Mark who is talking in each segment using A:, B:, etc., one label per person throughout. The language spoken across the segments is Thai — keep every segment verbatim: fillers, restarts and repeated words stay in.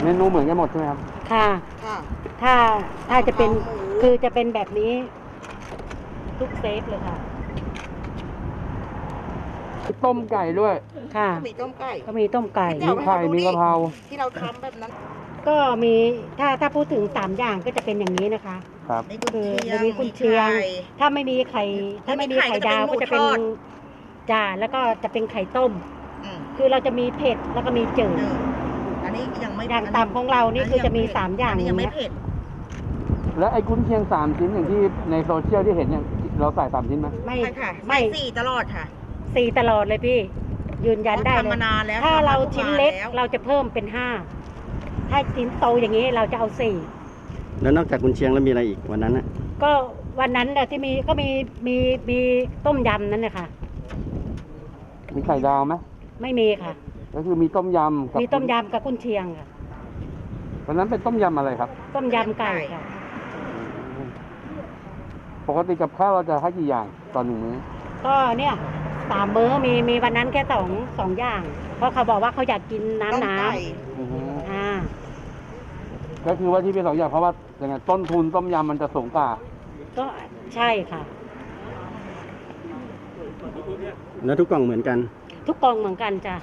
A: เมนูเหมือนกันหมดใช่ไหมครับ
B: ค่ะ
C: ค่ะ
B: ถ้าถ้าจะเป็น
C: หมู
B: คือจะเป็นแบบนี้ทุกเซตเลยค่ะ
A: ต้มไก่ด้วย
B: ค่ะ
C: ก็มีต้มไก่
B: ก็มีต้มไก่
C: เดี๋
A: มี
C: ยว
A: ไข่มีกะเพรา
C: ที่เราทำแบบนั้น
B: ก็มีถ้าถ้าพูดถึงสามอย่างก็จะเป็นอย่างนี้นะคะ
A: ครับ
C: มีกุน
B: คือ
C: เชีย
B: จะ
C: ง
B: มีกุนเชียง
C: ไข่
B: ถ้าไม่มีไข่ถ้าไม่มีไข่ดาวก็จะเป็น
C: ถ้าไม่มีไข่ก็จะเป็นหมูทอด
B: จ่าแล้วก็จะเป็นไข่ต้ม
C: อืม
B: คือเราจะมีเผ็ดแล้วก็มีจืด
C: เอออันนี้ยังไม่
B: อย่างต่ำของเรานี่คือจะมีสามอย่าง
C: นนี้ยังไม่
B: เนี้ย
C: เผ็ด
A: แล้วไอ้กุนเชียงสามชิ้นอย่างที่ในโซเชียลที่เห็นเนี่ยเราใส่สามชิ้นไหม
B: ไม่
C: ใช่ค่ะ
B: ไม่
C: ใส่สี่ตลอดค่ะ
B: สี่ตลอดเลยพี่ ยืนยันได้เล
C: ทำมาย นานแล้ว
B: ถ้า
C: ทำม
B: เรา
C: ทุก
B: ชิ้น
C: วัน
B: เล็ก
C: แล้ว
B: เราจะเพิ่มเป็นห้าถ้าชิ้นโตอย่างนี้เราจะเอาสี่
D: แล้วนอกจากกุนเชียงแล้วมีอะไรอีกวันนั้นน่ะ
B: ก็วันนั้นน่ะที่มีก็มีมีมีต้มยำนั่นนะคะ
A: มีไข่ดาวไหม
B: ไม่มีค่ะ
A: ก็คือมีต้มยำกับ
B: มีต้มยำกับกุนเชียงค่ะ
A: วันนั้นเป็นต้มยำอะไรครับ
B: ต้มยำไก่ค่ะ
A: ปกติกับข้าวเราจะให้กี่อย่างต่อหนึ่งมื้อ
B: ก็เนี่ยสามมื้อมีมีวันนั้นแค่สองสองอย่าง เพราะเขาบอกว่าเขาอยากกินน้ำ
C: ต้ม
B: น้
C: ไก่
A: อือฮึ
B: ำอ่า
A: ก็คือว่าที่เป็นสองอย่างเพราะว่าอย่างไงต้นทุนต้มยำมันจะสูงกว่า
B: ก็ใช่ค่ะ
D: แล้วทุกกล่องเหมือนกัน
B: ทุกกล่องเหมือนกันจ้ะ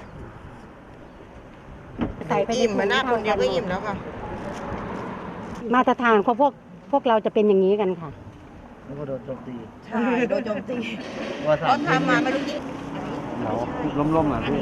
B: ใส่ไปใน
C: อิ่ม
B: ถุ
C: มาง หน้าคนเดียวก็
B: ท่า
C: อิ่มแล้วค่ะ
B: มาตรฐานของพวกพวกเราจะเป็นอย่างนี้กันค่ะ
E: แล้วก็โดนโจมตี
C: ใช่โดนโจมตี
E: ว่าสา
C: เขา
E: ม
C: ทำมาไม่รู้กี่
A: เราล้มๆอ่ะพี่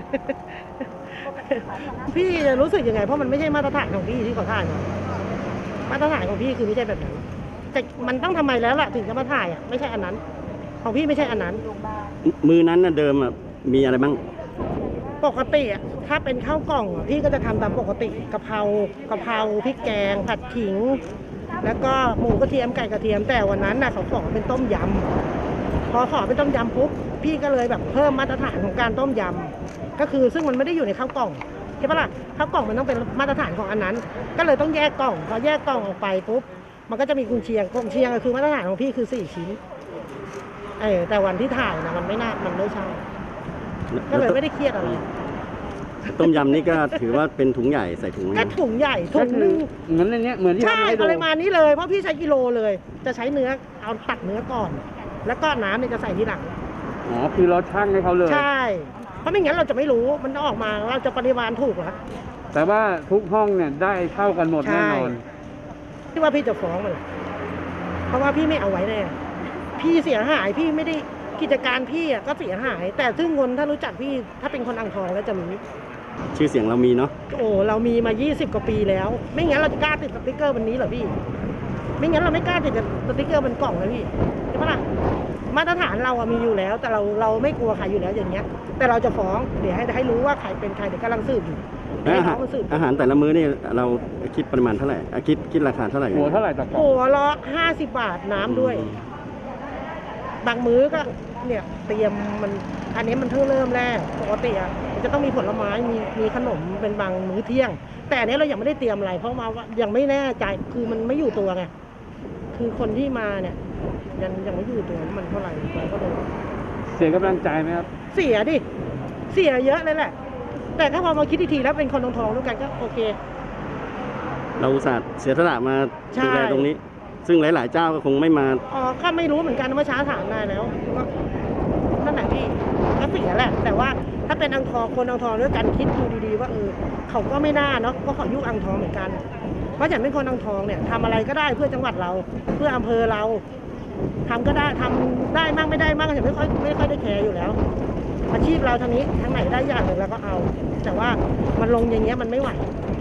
F: พี่จะรู้สึกยังไงเพราะมันไม่ใช่มาตรฐานของพี่ที่เขาถ่ายมามาตรฐานของพี่คือไม่ใช่แบบนั้นแต่มันต้องทำไมแล้วล่ะถึงจะมาถ่ายอ่ะไม่ใช่อันนั้น ของพี่ไม่ใช่อันนั้น
D: มือนั้นน่ะเดิมอ่ะมีอะไรบ้าง
F: ปกติอ่ะถ้าเป็นข้าวกล่องอ่ะพี่ก็จะทำตามปกติกะเพรากะเพราพริกแกง ผัดขิง แล้วก็หมูกระเทียมไก่กระเทียมแต่วันนั้นน่ะเขาขอเป็นต้มยำพอขอเป็นต้มยำปุ๊บพี่ก็เลยแบบเพิ่มมาตรฐานของการต้มยำก็คือซึ่งมันไม่ได้อยู่ในข้าวกล่องใช่ปะล่ะข้าวกล่องมันต้องเป็นมาตรฐานของอันนั้น ก็เลยต้องแยกกล่องพอแยกกล่องออกไปปุ๊บมันก็จะมีกุนเชียงกุนเชียงก็คือมาตรฐานของพี่คือสี่ชิ้นเออแต่วันที่ถ่ายนะมันไม่น่ามันไม่ใช่ก็เลยไม่ได้เครียดอะไร
D: ต้มยำนี่ก็ถือว่าเป็นถุงใหญ่ใส่ถุง
F: กระถุงใหญ่ถุ
A: ก็
F: ง
A: คื
F: นึ
A: อง เหมือนในเนี้ยเหมือนที่
F: ใช่
A: ทำให้ดู
F: ปริมาณนี้เลยเพราะพี่ใช้กิโลเลย จะใช้เนื้อเอาตัดเนื้อก่อน แล้วก็น้ำเนี่ยจะใส่ทีหลัง
A: อ๋อคือเราชั่งให้เขาเลย
F: ใช่ เพราะไม่งั้นเราจะไม่รู้มันออกมาเราจะปริมาณถูกเหรอ
A: แต่ว่าทุกห้องเนี่ยได้เท่ากันหมด
F: ใช่
A: แน่นอน
F: ที่ว่าพี่จะฟ้องมันเพราะว่าพี่ไม่เอาไว้แน่พี่เสียหายพี่ไม่ได้กิจการพี่อะก็เสียหาย แต่ซึ่งคนถ้ารู้จักพี่ถ้าเป็นคนอ่างทองแล้วจะรู้
D: ชื่อเสียงเรามีเนาะ
F: โอ้เรามีมายี่สิบกว่าปีแล้ว ไม่งั้นเราจะกล้าติดสติ๊กเกอร์วันนี้เหรอพี่ ไม่งั้นเราไม่กล้าติดสติ๊กเกอร์บนกล่องเลยพี่ใช่ปะล่ะมาตรฐานเราอะมีอยู่แล้ว แต่เราเราไม่กลัวใครอยู่แล้วอย่างเงี้ย แต่เราจะฟ้องเดี๋ยวให้ให้รู้ว่าใครเป็นใครเดี๋ยวกำลังสืบอยู่
D: แล้ว
F: ให้
D: อาหา
F: น้อ
D: รง
F: มันสืบ
D: อาหารแต่ละมื้อนี่เราคิดปริมาณเท่าไหร่อ่ะคิดคิดราคาเท่าไหร่
A: หัวเท่าไหร่ต่อกล่อง
F: หัวละห้าสิบบาทน้ำด้วย บางมื้อก็เนี่ยเตรียมมันอันนี้มันเพิ่งเริ่มแรกปกติอ่ะมันจะต้องมีผลไม้มีมีขนมเป็นบางมื้อเที่ยง แต่อันนี้เรายังไม่ได้เตรียมอะไร เพราะมาว่ายังไม่แน่ใจคือมันไม่อยู่ตัวไงคือคนที่มาเนี่ยยังยังไม่อยู่ตัวว่ามันเท่าไหร่เราก็เลย
A: เสียกำลังใจไหมครับ
F: เสียดิเสียเยอะเลยแหละ แต่ถ้าพอมาคิดอีกทีแล้วเป็นคนทองทองๆด้วยกันก็โอเค
D: เราอุตส่าห์เสียสละมา
F: ใช่
D: ดูแลตรงนี้ ซึ่งหลาย ๆ เจ้าก็คงไม่มา
F: อ๋อก็ไม่รู้เหมือนกันเมื่อเช้าถามนายแล้วก็นั่นแหละพี่ก็เสียแหละ แต่ว่าถ้าเป็นอังทองคนอังทองด้วยกันคิดดูดีๆว่าเออเขาก็ไม่น่าเนาะก็ขอยุคอังทองเหมือนกัน เพราะฉันเป็นคนอังทองเนี่ยทำอะไรก็ได้เพื่อจังหวัดเรา เพื่ออำเภอเราทำก็ได้ทำได้มั่งไม่ได้มั่งฉันไม่ค่อยไม่ค่อยได้แคร์อยู่แล้ว อาชีพเราทางนี้ทางไหนได้อย่างหนึ่งเราก็เอา แต่ว่ามันลงอย่างเงี้ยมันไม่ไหว